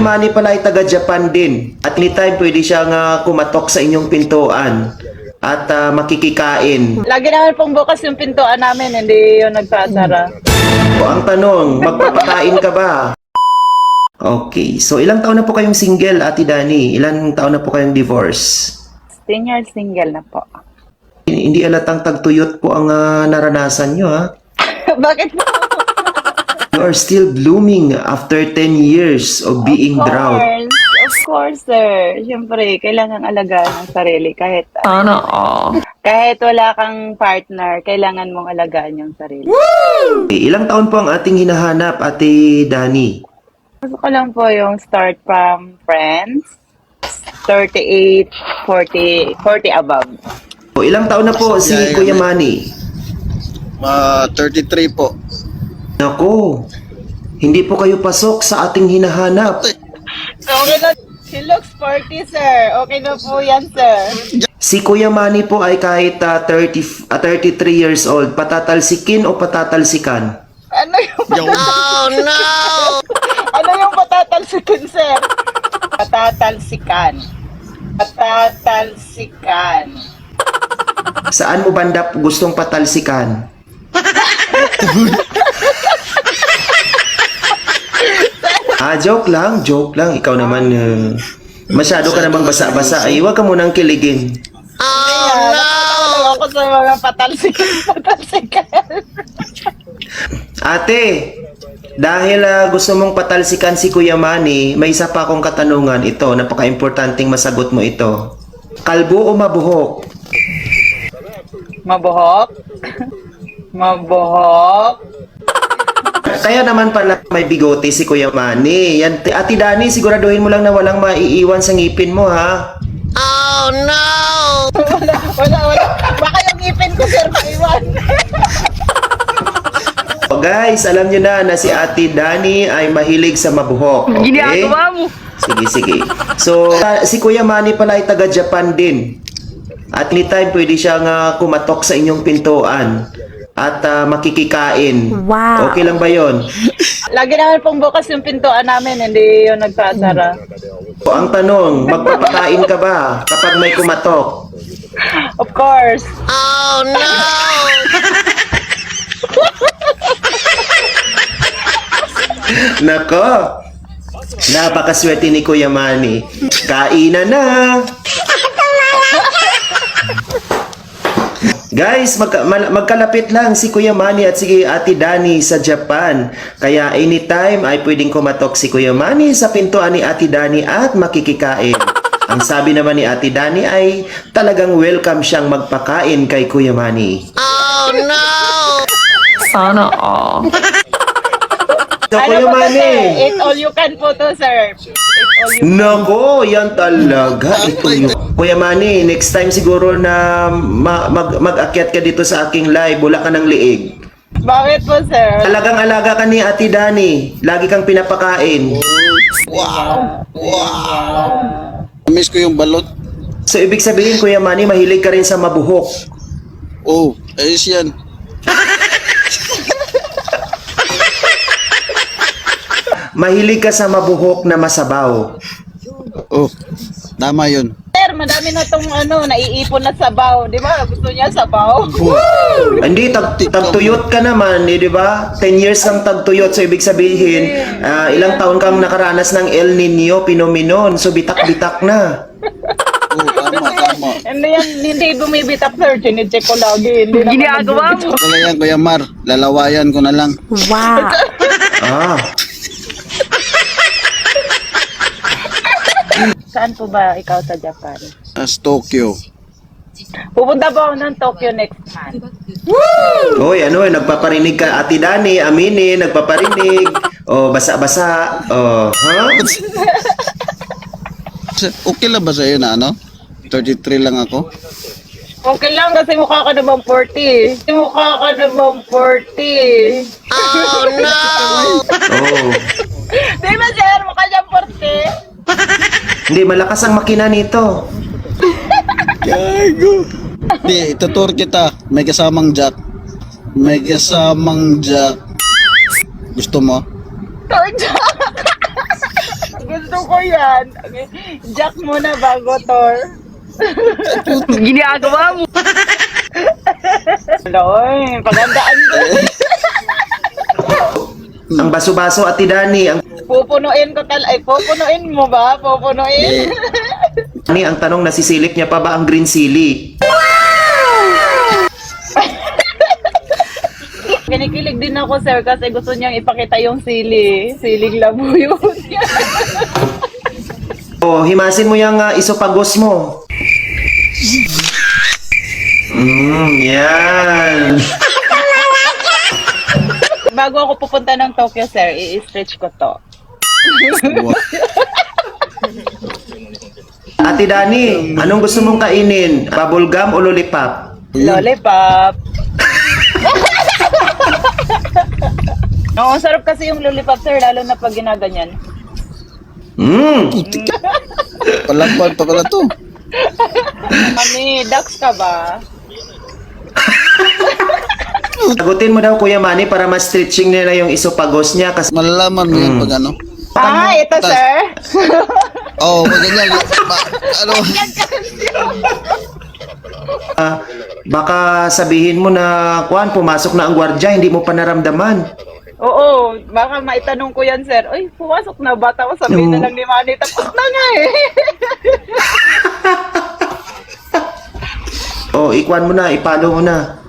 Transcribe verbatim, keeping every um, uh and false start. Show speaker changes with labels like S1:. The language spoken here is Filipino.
S1: Manny pala ay taga-Japan din. At anytime pwede siyang uh, kumatok sa inyong pintuan at uh, makikikain.
S2: Lagi naman pong bukas yung pintuan namin, hindi yung nagsasara.
S1: O ang tanong, magpapakain ka ba? Okay, so ilang taon na po kayong single, Ate Dani? Ilang taon na po kayong divorce?
S2: ten years single na po.
S1: Hindi alatang tagtuyot po ang uh, naranasan nyo, ha?
S2: Bakit po?
S1: You are still blooming after ten years of being
S2: Of
S1: drought.
S2: course, of course, sir. Siyempre, kailangan alagaan ang sarili kahit
S3: Sana all.
S2: kahit wala kang partner, kailangan mong alagaan yung sarili.
S1: Okay, ilang taon po ang ating hinahanap, Ate Dani?
S2: Gusto ko lang po yung start from friends, thirty-eight, forty, forty above.
S1: O ilang taon na po si
S4: Yeah, yeah,
S1: Kuya
S4: yeah.
S1: Manny?
S4: Uh, thirty-three po.
S1: Nako, hindi po kayo pasok sa ating hinahanap.
S2: Okay na. He looks forty, sir. Okay na po yan, sir.
S1: Si Kuya Manny po ay kahit uh, thirty, uh, thirty-three years old, patatalsikin o patatalsikan?
S2: Ano yung,
S4: Yung,
S2: ano yung patatalsikan, sir? Patatalsikan. Patatalsikan.
S1: Saan mo banda gustong patalsikan? ah, joke lang, joke lang. Ikaw naman, uh, masyado ka namang basa-basa. Ay, huwag ka munang kiligin.
S2: Oh, no! Ako sa mga patalsikan, patalsikan.
S1: Ate, dahil uh, gusto mong patalsikan si Kuya Manny, may isa pa akong katanungan. Ito, napaka-importanting masagot mo ito. Kalbo o mabuhok?
S2: Mabuhok? Mabuhok?
S1: Kaya naman pala may bigote si Kuya Manny. Yan, Ate Dani, siguraduhin mo lang na walang maiiwan sa ngipin mo, ha?
S2: Wala, wala, wala. Baka yung ngipin ko, sir, maiwan.
S1: O guys, alam nyo na na si Ate Dani ay mahilig sa mabuhok. Okay?
S3: Ginagawa mo.
S1: Sige, sige. So, uh, si Kuya Manny pala ay taga-Japan din. At anytime pwede siyang uh, kumatok sa inyong pintuan at uh, makikikain.
S3: Wow.
S1: Okay lang ba yon?
S2: Lagi naman pong bukas yung pintuan namin, hindi yung nagsasara.
S1: O ang tanong, magpapakain ka ba kapag may kumatok?
S2: Of course.
S1: Nako, napakaswerte ni Kuya Manny. Kainan na! Guys, magka, mal, magkalapit lang si Kuya Manny at si Ate Dani sa Japan. Kaya anytime ay pwedeng kumatok si Kuya Manny sa pintuan ni Ate Dani at makikikain. Ang sabi naman ni Ate Dani ay talagang welcome siyang magpakain kay Kuya Manny.
S3: Sana all.
S1: So,
S2: Ano
S1: Kuya
S2: po to,
S1: Manny,
S2: sir? Eat all you can po to, sir. Eat all you
S1: nako, yan talaga. Ito yung... Kuya Manny, next time siguro na ma- mag- mag-akyat ka dito sa aking live, wala ka ng liig.
S2: Bakit po, sir?
S1: Talagang alaga ka ni Ate Dani. Lagi kang pinapakain.
S4: wow! Wow! Miss ko yung balot.
S1: So, ibig sabihin, Kuya Manny, mahilig ka rin sa mabuhok.
S4: Oh, ayos yan.
S1: Mahilig ka sa mabuhok na masabaw.
S4: Oh, tama yun.
S2: Sir, madami na tong ano, naiipon na sabaw. Di ba? Gusto niya sabaw?
S1: Hindi, tag tagtuyot ka naman, eh, di ba? ten years kang tagtuyot. So, ibig sabihin, ah, ilang taon kang nakaranas ng El Nino, Phenomenon. So, bitak-bitak na.
S4: Oh, tama, tama.
S2: Hindi yan, hindi bumibitak, sir. Chine-check ko lagi. Hindi naman
S3: Ginagawa mo.
S4: Wala yan, Kuya Mar. Lalawayan ko na lang.
S3: Wow.
S1: Ah,
S2: Saan po ba ikaw sa Japan?
S4: As Tokyo.
S2: Pupunta po ako ng Tokyo next month.
S1: Hoy, ano eh, nagpaparinig ka, Ate Dani, aminin, nagpaparinig. O, basa-basa. O, ha?
S4: Okay lang ba sa'yo na ano? thirty-three lang ako?
S2: Okay lang kasi mukha ka namang forty. Mukha ka namang forty.
S1: Oh.
S2: Di ba, sir? Mukha niyang forty.
S1: Hindi, malakas ang makina nito.
S4: Gago. Di, itutur kita. May kasamang jack. May kasamang jack. Gusto mo?
S2: Torja. Gusto yan. Okay. Jack muna bago Thor.
S3: Ginagawa mo.
S2: Loy, pagandaan ko.
S1: Ang baso-baso, Ate Dani. Ang
S2: Pupunuin ko tal... Ay, pupunuin mo ba? Pupunuin?
S1: Dani, ang tanong, nasisilip niya pa ba ang green sili?
S2: Kinikilig din ako, sir, kasi gusto niyang ipakita yung sili. Siling labuyo niya.
S1: O, himasin mo yung uh, isopagos mo. Mm, yan.
S2: Bago ako pupunta ng Tokyo, sir, i-stretch ko to.
S1: Ate Dani, anong gusto mong kainin? Bubble gum o lollipop?
S2: Lollipop. Oo, sarap kasi yung lollipop, sir, lalo na pag ginaganyan.
S1: Mm.
S4: Palagpag pa pala to.
S2: Mami, ducks ka ba?
S1: Sagutin mo daw, Kuya Manny, para ma-stretching nila yung isopagos niya. Kasi
S4: Malalaman mo yan pag ano.
S2: Ah, ito,
S4: Tas-
S2: sir.
S4: Oo, oh, pag ganyan. Ba, ano?
S1: ah, baka sabihin mo na, Kuan, pumasok na ang gwardya, hindi mo pa naramdaman.
S2: Oo, baka maitanong ko yan, sir. Uy, pumasok na ba? Tapos sabihin na lang ni Manny, tapos na nga eh.
S1: O, ikuan mo na, ipalo mo na.